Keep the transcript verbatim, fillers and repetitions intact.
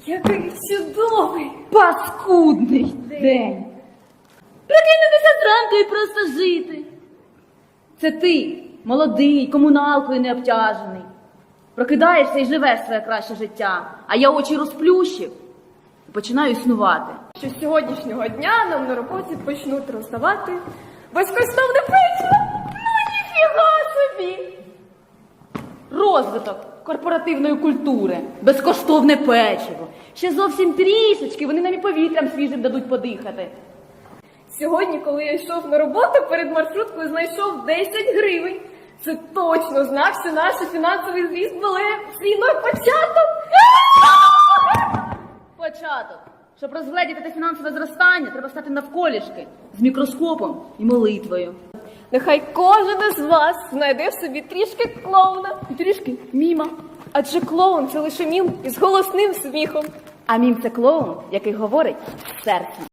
Який чудовий! Паскудний день. Прикинутися зранку і просто жити. Це ти, молодий, комуналкою не обтяжений. Прокидаєшся і живеш своє краще життя, а я очі розплющив і починаю існувати. Що з сьогоднішнього дня нам на роботі почнуть роздавати безкоштовне печиво. Ну ніфіга собі! Розвиток корпоративної культури, безкоштовне печиво. Ще зовсім трішечки, вони нам і повітрям свіжим дадуть подихати. Сьогодні, коли я йшов на роботу, перед маршруткою знайшов десять гривень. Це точно знак, що наш фінансовий зріст мале свій початок. Початок. Щоб розгледіти те фінансове зростання, треба стати навколішки з мікроскопом і молитвою. Нехай кожен із вас знайде в собі трішки клоуна і трішки міма. Адже клоун – це лише мім із голосним сміхом. А мім – це клоун, який говорить серцем.